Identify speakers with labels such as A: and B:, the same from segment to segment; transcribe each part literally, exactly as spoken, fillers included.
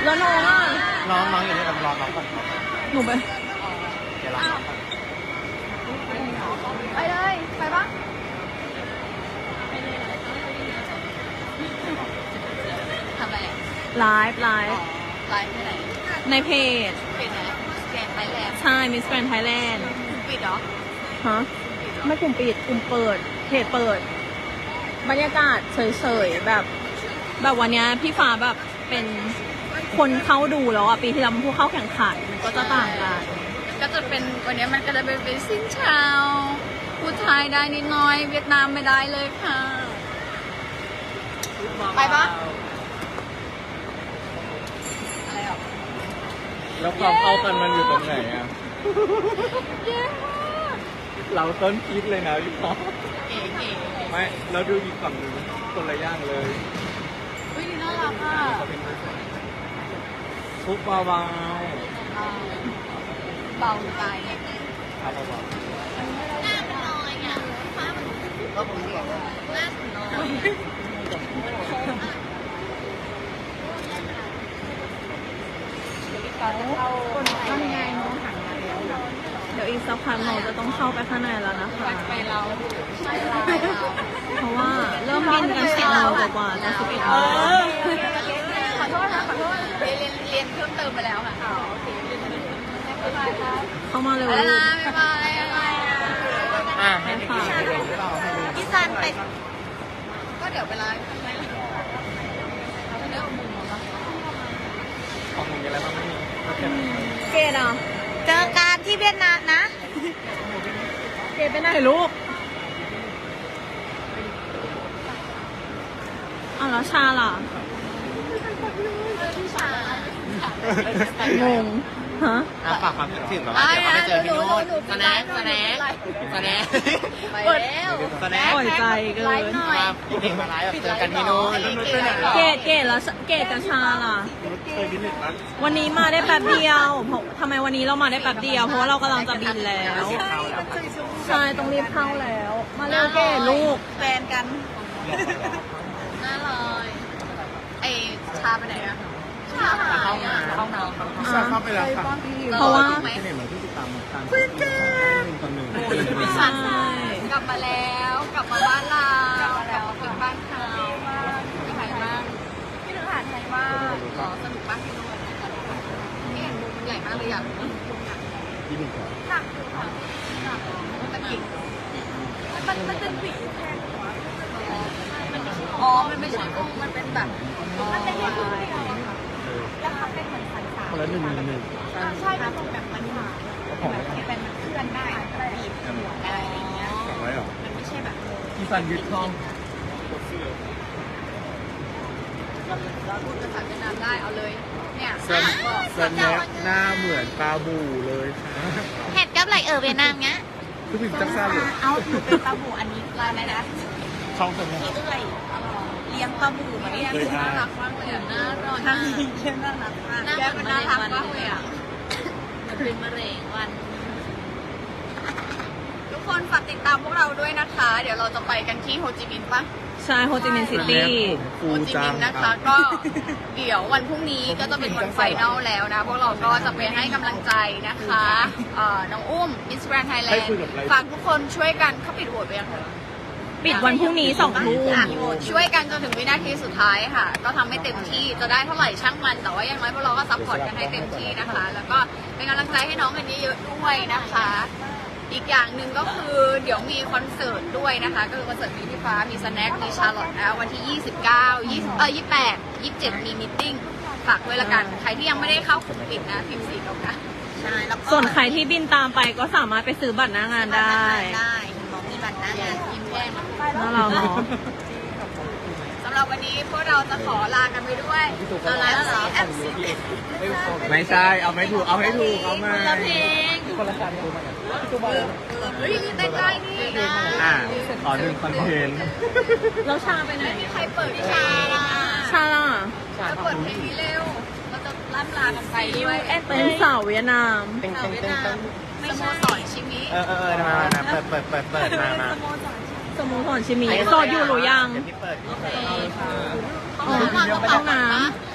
A: แล้วน้องอ่ะ
B: น้องน้องอยู่นี่กับรอน้องก่อน
A: หนูไป
B: เดี๋ยวรอน้องก่อน
C: ไปเลย ไปปะ
D: ทำอะไรอ่ะ
A: ไลฟ์ไลฟ์
D: ไลฟ์ที่ไหน
A: ในเพจ
D: เป็นไหนแกนไทยแลนด์
A: ใช่มิสแกรนไทยแลนด์
D: คุณปิดเหรอ
A: ฮะไม่กลุ่มปิดกลุ่มเปิดเพจเปิด บรรยากาศเฉยๆแบบ แบบวันเนี้ยพี่ฟ้าแบบเป็นคนเข้าดูแล้วอ่ะปีที่แล้วมันผู้เข้าแข่งขันมันก็จะต่างกัน
D: ก็จะเป็นวันนี้มันก็จะเป็นเป็นสิ้นเชาวพูดไทยได้นิดหน้อย เวียดนามไม่ได้เลยค่ะ ไปปะอะไรอ่ะ
B: แล้วความเข้ากันมันอยู่ตรงไหนอ่ะ
D: เย้มาก
B: เราต้นคิดเลยนะพี่ป๊อป
D: เก๋เก๋
B: ไม่เราดูอีกฝั่งหนึ่งคนละย่างเลย
D: เฮ้ยนี่น่ารักอ่ะ
B: ทุกเบาๆ
D: เบาใจเนี่ย
B: ครับเบา
D: หน้ามันน้อยอ่ะฟ้ามัน
B: ๆก็ผมบอกว่า
D: หน้ามันน้อย
C: ทำไงน้องหันมาแล้ว
A: เดี๋ยวอีกสักพักเราจะต้องเข้าไปข้างในแล้วนะคะ
D: ไปเราใช่เรา
A: เพราะว่าเริ่มบินกันสิบโมงกว่าๆจะสิบเอ็ดโมง
D: ขอโทษนะขอโทษเรียนเรียนเรียนเพิ่มเติมไปแล้วค่ะโอเคบ๊ายบายครับ
A: เข้ามาเร็ว
D: ไป
A: ลู
D: แล้ว
A: ก
D: นะบ๊ายบายอะไรอ่ะ
B: อ่ะให้พี่กินให้ดูหรือเปล่าให้ดู
D: พี่ซันไปก็เดี๋ยวเวลาทำไมล่ะเรื่องมุมเหรอ
B: ของมึงมีอะไรบ้างไม่มีก็แค่
A: เกดอ่ะ
D: เจอกันที่เวียดนามนะ
A: เกดไปไหนลูกอ้าวแล้วชาล่ะงงฮะ
B: อ่ะฝากความคิดถึงแบบว่าเดี๋ยวเขาไปเจอที่นู่นสแน็คสแน็คสแน็ค
D: ไปแล้ว
B: สแน็ค
A: ปล่อยใจเกิน
B: มาพี่เด็กมาไลฟ์แบบเจอกันที่นู่น
A: เกดเกดแล้วเกดกับชาล่ะ
B: เคยบินหนึ่งครั้ง
A: วันนี้มาได้แป๊บเดียวเพราะทำไมวันนี้เรามาได้แป๊บเดียว เพราะว่าเรากำลังจะบินแล้ว ใช่ต้องรีบเข้าแล้ว มาเร็วเกดลูก
D: แฟนกันน่าเลยไอชาไปไหนอะชาหาย
B: เข้ามา
D: อะ
B: เข้ามาเข้าไปแล้วค่ะ
A: เพราะว่า
B: ที่เนี่ยเหมือนที่ติดตามการคุยกันคนหนึ่ง
A: ใช่
D: กลับมาแล้วกลับมาบ้านเรากลับมาแล้วถึงบ้านเขาที่ไหนบ้างที่ถึงหาดไทยบ้างอ๋อสนุกบ้างที่นู่นนี่มุมใหญ่มากเลยอยากรู้
B: ที่หนึ่งครับ
D: หนักอยู่ค่ะหนักตะกิ่งมันมันเป็นผีแทนหัวอ๋อมันไม่ใช่กุ้งมันเป็นแบบมันเป็นแค่กุ้งเดียวอะค่ะแล้วมันเป็นเหมือนสันสา
B: คนละหนึ่งหนึ่งหนึ่ง
D: ใช่มันเป็นแบบมันหาแบบเป็นมันเคลื่อนได้บีบหัวได้อะไรเงี้ย
B: สองร้อยหรอ
D: มันไม่ใช่แบบ
B: พี่ฟันยึดท้อง
D: เราพูดภาษาเวียดนามได้เอาเลยเนี่ย
B: เซนเซนเน็กหน้าเหมือนปลาบูเลยค่ะ
D: เห็ดกับไหลเออเวียดนามเงี้ย
B: คือผิดจักซ่าเลย
D: เอาหนูเป็นปลาบูอันนี้ลายอะไรนะ
B: ช่องเซนเน็ก
D: พี่เอ้ยเลี้ยงปลาบูมาเนี่ยน่ารักมากเลยอ่ะน่ารักน่าน่ารักมากแก้มน่ารักมากเลยอ่ะมันเป็นมะเร็งวันทุกคนฝากติดตามพวกเราด้วยนะคะ เดี๋ยวเราจะไปกันที่โฮจิมินห์ปะ
A: ใช่โฮจิมินห์ซิตี้
D: โฮจิมินห์นะคะก็เดี๋ยววันพรุ่งนี้ก็จะเป็นวันไฟนอลแล้วนะ พวกเราก็จะไปให้กำลังใจนะคะเอ่อน้องอุ้ม Miss Grand Thailand ฝากทุกคนช่วยกันเขาปิดโหวตไปยังคะ
A: ปิดวันพรุ่งนี้สองทุ่ม
D: อ่ะช่วยกันจนถึงวินาทีสุดท้ายค่ะ ก็ทำให้เต็มที่จะได้เท่าไหร่ช่างมัน แต่ว่าอย่างน้อยพวกเราก็ซัพพอร์ตกันให้เต็มที่นะคะ แล้วก็เป็นกำลังใจให้น้องกันเยอะๆด้วยนะคะ อีกอย่างหนึ่งก็คือเดี๋ยวมีคอนเสิร์ตด้วยนะคะ ก็คือคอนเสิร์ตมีพี่ฟ้ามีสแน็คมีชาร์ลอตนะวันที่ ยี่สิบเก้า ยี่สิบเออยี่สิบแปด ยี่สิบเจ็ดมีมิทติ้งฝากด้วยละกันใครที่ยังไม่ได้เข้ากลุ่มปิดนะพิมพ์สีแล้วกันใช่แล้วก็
A: ส่วนใครที่บินตามไปก็สามารถไปซื้อบัตรหน้างานได้
D: ได้หมอมีบัตรหน้างานพิมพ์แจ้ง
A: น่ารักเนาะ
D: สำหรับวันนี้พวกเราจะขอลากันไปด้วยเอาละเหรอ
B: ไม่ใช่ เอาไม่ถูก เอาให้ถูก เอามา
D: คนละเพลง
B: คนละการดูมา
D: เฮ้ยเต้นได้นี่นะ
B: อ่าต่อหนึ่งคอนเทนต์
A: แล้วชาไปไหน
D: ไม่มีใครเปิดชาล่ะ
A: ชาล่ะ
D: จะเปิดเพลงนี้เร็วเราจะล่ำลากันไปด้วย
A: เป็นสาวเวียดนาม
B: เต็งเต็งเต็งเต็ง
D: สโมสรชิมิ
B: เออเออเออมามาเปิดเปิดเปิดเปิดมามา
A: สโมุทรชิมีโสดอยู่หรือยัง
B: เดี๋ยวพี่เปิด
D: โอเค
A: อ๋อห้องน้
B: ไม่ใช่อยู่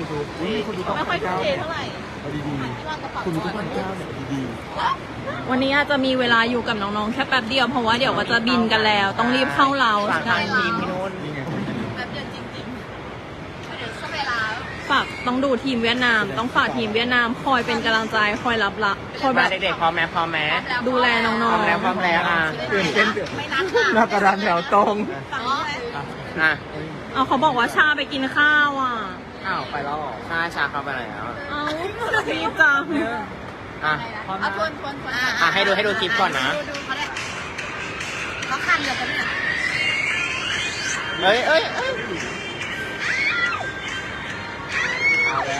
E: ยูทูบอุ้ยมีคนดูต้อง
A: ไม่ค่อย
E: พัน
A: ทุ่ม
E: เก้า
A: เทเท่าไหร่
E: เอาดีๆคุณดูต้องพันเก้าเนี่ยดี
A: วันนี้อาจจะมีเวลาอยู่กับน้องๆแค่แป๊บเดียวเพราะว่าเดี๋ยวก็จะบินกันแล้ว ต้องรีบเข้าเรา
B: ฝากทางทีมพี่นุ่น
E: ๆนี่ไง
D: แป๊บเดียวจริงๆเดี๋ยวก็เวลา
A: ฝากต้องดูทีมเวียดนาม ต้องฝากทีมเวียดนามคอยเป็นกำลังใจคอยรับละคอยแบ
B: มา
A: บ
B: เด็กๆพร้อมไหมพร้อมไหม
A: ดูแลน้อง
B: พร้อมแล้วพร้อมแล้วอ่ะ
E: ตื่นเต้นเดือด
D: ไม่นัดค่ะ
E: หน้ากระดานแถวตรง
B: อ่ะ
A: ๆเอาเขาบอกว่าชาไปกินข้าวอ่ะ
B: อ้าวไปแล้วชาชาเข้าไปแล้ว
A: เอาดีจัง
B: อ่ะ
D: เอาทวนทวนทวน
B: อ่ะให้ดูให้ดูคลิปก่อนนะ
D: ดูดูเขาเลยเขาคันเรือกันเนี่ย
B: เอ้ยเอ้ยเอ้ย
E: เอาแล้ว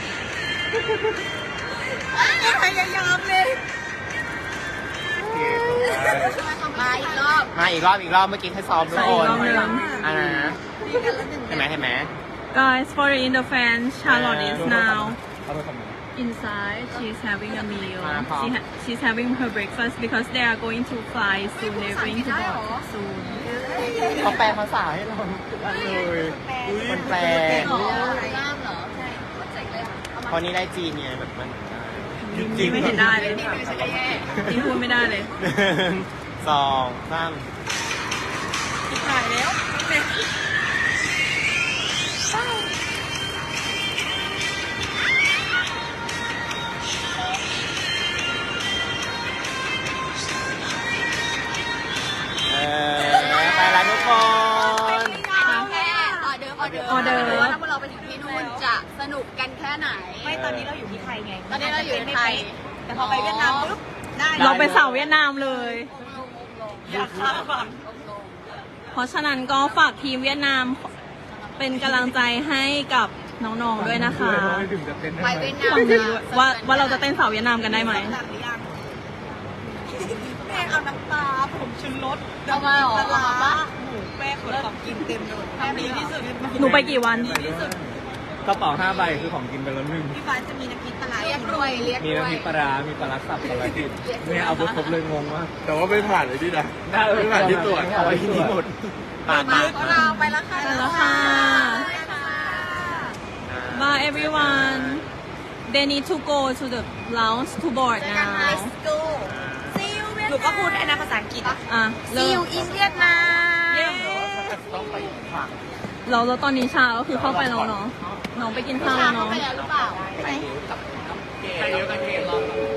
D: พยายามเลย
E: โอเค
D: มาอีกรอบ
B: มาอีกรอบอีกรอบเมื่อกี้ให้ซ้อมทุก
A: ใส่
B: ค
A: อีก
B: น
A: รอบหนึง
B: อ่ะนะเห็นไหมเห็นไหม
A: Guys, for the Indo fans, Charlotte is now
E: เอาไปทำไม
A: inside. She's having a meal.
B: Ah, huh.
A: She ha she's having her breakfast because they are going to fly soon. They're going to board soon.
B: เขาแปลภาษาให้เราทุกอันเลยคนแปล
D: อ๋อล่ามเหรอ ใช่เข้าใจเลยเอามา
B: เพราะนี่ได้จีนไงแบบมัน
A: จริงไม่เห็นได้เลย
D: นี่ไม่ใช่แย่
A: จริงพูดไม่ได้เลย
B: หนึ่งสองสาม
A: ถ่ายแล้ว
B: เออไปแล้วทุกคน
D: แค่ออเดอร์ออเดอร์
A: ออเดอร์
D: ว่าถ้าเราไปถึงที่นู่นจะสนุกกันแค่ไหน
C: ไม่ตอนนี้เราอยู่ที่ไทยไง
D: ตอนนี้เราอยู่ในไทย
C: แต่พอไปเวียดนามปุ๊บได้
A: เราไปสาวเวียดนามเลย
C: อยากข้ามก่อน
A: เพราะฉะนั้นก็ฝากทีมเวียดนามเป็นกำลังใจให้กับน้องๆด้วยนะคะ
E: ไม่ถึงจะเต้น
D: ไป
E: ได้ไหม
D: เวียดนาม
A: ฟังดีด้วยว่าว่าเราจะเต้นสาวเวียดนามกันได้ไหม
C: หลังหรือยังแม่เอาน้ำปลาผมชูรส
D: เอามาเหรอ
C: ปลา
D: เอามาปะ
C: หมูแม่ขนของกินเต็มเลยทำดีที่สุด
A: หนูไปกี่วัน
E: กระเป๋าห้าใบคือของกินไปแล้วหนึ่ง
C: พี่ฟ้าจะมีน้ำพริกปลาร้า
D: เรียกรวยเรียก
E: มี
D: รว
E: น้ำพ
D: ย
E: ริกปลาร้ามีปลาร้าสับปลาร้าดิบเนี่ยเอาไปครบเลยงงมาก แต่ว่าไม่ผ่านเลยที่นะไม่ผ่านที่ตรวจ
B: เอาไว้ที่นี่หมดปาก
D: มา
B: ปาก
D: ของเราไปแล้วค่ะ
A: ไปแล้วค่ะ Bye everyone. They need to go to the lounge to board now.
D: Let's go See you
C: หนูก็พูดได้นะภาษาอังกฤษ
A: อ่ะ
D: See
A: เริ่
D: you
A: ม
D: in Vietnam
B: ต้องไปฝั่ง
A: เราแล้วตอนนี้ชาก็คือเข้าไปแล้วเนาะน้องไปกินข้าว
D: ชา
A: แล้ว
D: เข้า
A: เนาะ
D: ไปแล้วหรือเปล่า
B: ไปเยอะกันเกมรอบ